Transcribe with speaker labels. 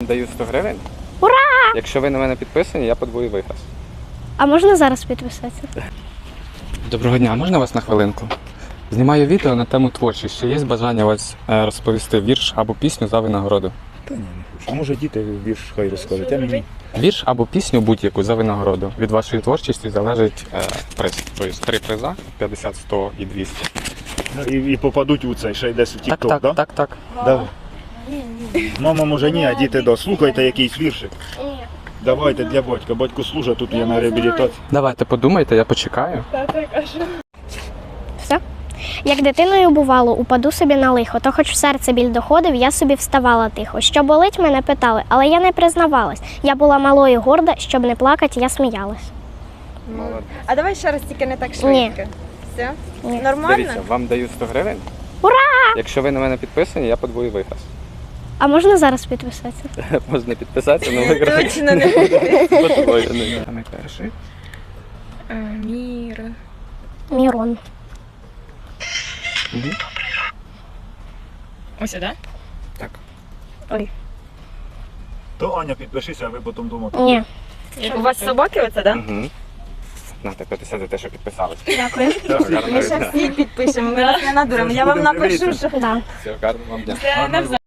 Speaker 1: даю 100 гривень.
Speaker 2: Ура!
Speaker 1: Якщо ви на мене підписані, я подвою виграш.
Speaker 2: А можна зараз підписатися?
Speaker 1: Доброго дня, можна вас на хвилинку? Знімаю відео на тему творчість. Чи є бажання вас розповісти вірш або пісню за винагороду?
Speaker 3: Та ні, не хочу. А може діти вірш хай розкажуть, а мені?
Speaker 1: Вірш або пісню будь-яку за винагороду. Від вашої творчості залежить приз. Тобто 3 приза, 50, 100 і 200.
Speaker 3: І попадуть у цей, ще й десь у
Speaker 1: Так,
Speaker 3: TikTok,
Speaker 1: так, так, так.
Speaker 3: Давай. Мама може ні, а діти да. Слухайте якийсь віршик.
Speaker 2: Ні.
Speaker 3: Давайте для батька. Батько служить, тут я на реабілітації.
Speaker 1: Давайте подумайте, я почекаю.
Speaker 2: Все? Як дитиною бувало, упаду собі на лихо, то хоч в серце біль доходив, я собі вставала тихо. Що болить, мене питали, але я не признавалась. Я була малою горда, щоб не плакати, я сміялась.
Speaker 4: А давай ще раз, тільки не так швидко. Все?
Speaker 2: Ні.
Speaker 4: Нормально?
Speaker 1: Дивіться, вам даю 100 гривень.
Speaker 2: Ура!
Speaker 1: Якщо ви на мене підписані, я подвою виграш.
Speaker 2: А можна зараз підписатися?
Speaker 1: Можна підписатися, але виграш.
Speaker 4: Точно не буде.
Speaker 1: Подвоєний. Саме перший.
Speaker 4: Міра.
Speaker 2: Мірон.
Speaker 1: Угу.
Speaker 4: Ось, так?
Speaker 1: Так.
Speaker 2: Ой.
Speaker 3: То Аня, підпишися, а ви потім думаєте.
Speaker 2: Ні.
Speaker 4: У вас собаки оце, так?
Speaker 1: Угу. Нате 50 за те, що підписались.
Speaker 2: Дякую.
Speaker 4: Ми ще всі підпишемо, ми вас не надуримо. Я вам напишу, що...
Speaker 2: Да.
Speaker 1: Все, гарного вам дня.
Speaker 4: це навзаєм.